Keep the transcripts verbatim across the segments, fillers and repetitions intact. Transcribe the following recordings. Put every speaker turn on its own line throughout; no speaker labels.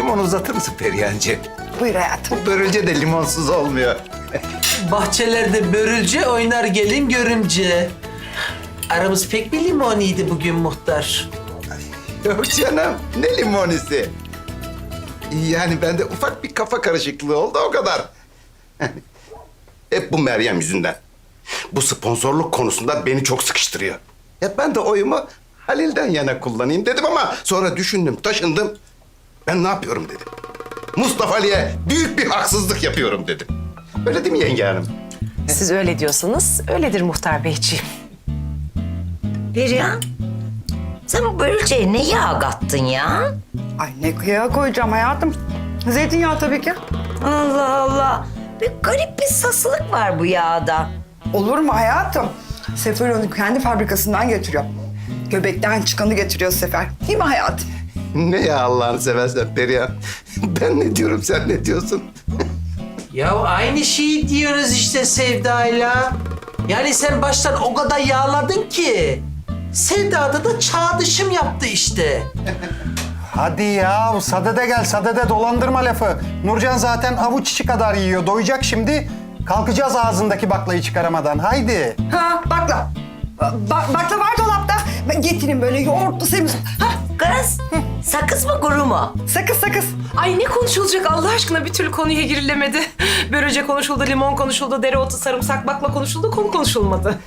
limon uzatır mısın Perihancığım?
Buyur hayatım.
Bu börülce de limonsuz olmuyor.
Bahçelerde börülce oynar gelin görümce. Aramız pek bir limoniydi bugün muhtar.
Yok canım, ne limonisi? Yani bende ufak bir kafa karışıklığı oldu, o kadar. Hep bu Meryem yüzünden. Bu sponsorluk konusunda beni çok sıkıştırıyor. Ya ben de oyumu Halil'den yana kullanayım dedim ama sonra düşündüm, taşındım. Ben ne yapıyorum dedim. Mustafa Ali'ye büyük bir haksızlık yapıyorum dedim. Öyle değil mi yenge hanım?
Siz öyle diyorsanız öyledir muhtar beyciğim.
Perihan, sen bu börülceye ne yağ kattın ya?
Ay ne kıyağa koyacağım hayatım. Zeytinyağı tabii ki.
Allah Allah, bir garip bir sasılık var bu yağda.
Olur mu hayatım? Sefer onu kendi fabrikasından getiriyor. Göbekten çıkanı getiriyor Sefer. Değil mi hayatım?
Ne ya Allah'ını seversen Perihan. Ben ne diyorum, sen ne diyorsun?
Ya aynı şeyi diyoruz işte Sevda'yla. Yani sen baştan o kadar yağladın ki. Sevda'da da çağdışım yaptı işte.
Hadi ya, sadede gel, sadede dolandırma lafı. Nurcan zaten avuç içi kadar yiyor, doyacak şimdi. Kalkacağız ağzındaki baklayı çıkaramadan, haydi.
Ha bakla. Ba- bakla var dolapta. Ben getireyim böyle yoğurtlu semiz. Ha
Kız, sakız mı kuru mu?
sakız sakız.
Ay ne konuşulacak Allah aşkına, bir türlü konuya girilemedi. Börülce konuşuldu, limon konuşuldu, dereotu, sarımsak, bakla konuşuldu, konu konuşulmadı.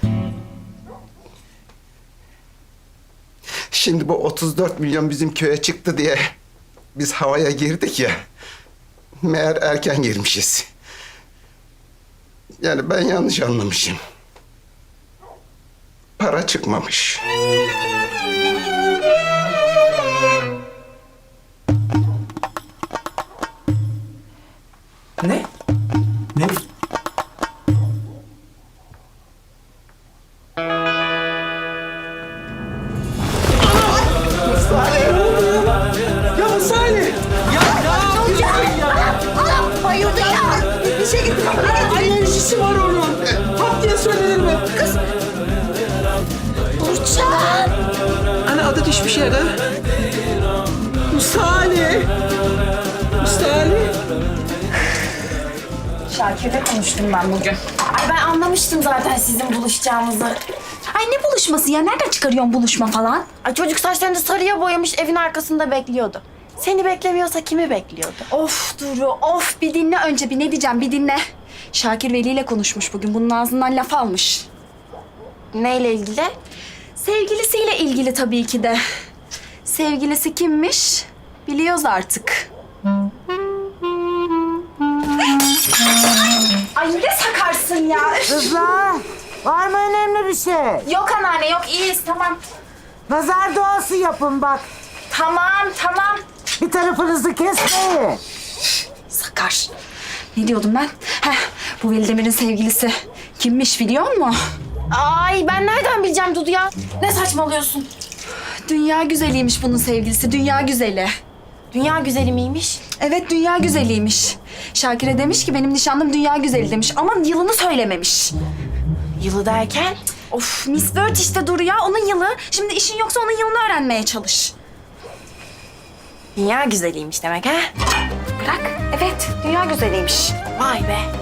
Şimdi bu otuz dört milyon bizim köye çıktı diye biz havaya girdik ya. Meğer erken girmişiz. Yani ben yanlış anlamışım. Para çıkmamış.
Ne? Ne? Ya Salih! Ya ne yapıyorsun ya?
Bayıldı ya.
Bir şey getir.
Alerjisi var onun. Pat diye söylenir mi? Kız.
Burçak.
Ana adı düşmüş yere. Salih. Salih.
Şakir'le konuştum ben bugün. Ay ben anlamıştım zaten sizin buluşacağınızı. Ay ne buluşması ya? Nereden çıkarıyorsun buluşma falan? Ay çocuk saçlarını sarıya boyamış, evin arkasında bekliyordu. Seni beklemiyorsa kimi bekliyordu? Of Duru, of bir dinle önce, bir ne diyeceğim bir dinle. Şakir Veli ile konuşmuş bugün, bunun ağzından laf almış. Neyle ilgili? Sevgilisiyle ilgili tabii ki de. Sevgilisi kimmiş? Biliyoruz artık. Ay ne sakarsın ya.
Kızlar, var mı önemli bir şey?
Yok anneanne yok, iyiyiz tamam.
Nazar duası yapın bak.
Tamam tamam.
Bir tarafınızı kesmeyin.
Sakar. Ne diyordum ben? Heh, bu Velidemir'in sevgilisi kimmiş biliyor musun? Ay ben nereden bileceğim Dudu ya? Ne saçmalıyorsun? Dünya güzeliymiş bunun sevgilisi, dünya güzeli. Dünya güzeli miymiş? Evet, dünya güzeliymiş. Şakir'e demiş ki benim nişanlım dünya güzeli demiş ama yılını söylememiş. Yılı derken? Of, Miss World işte Duru ya, onun yılı. Şimdi işin yoksa onun yılını öğrenmeye çalış. Dünya güzeliymiş demek ha? Bırak, evet dünya güzeliymiş. Vay be.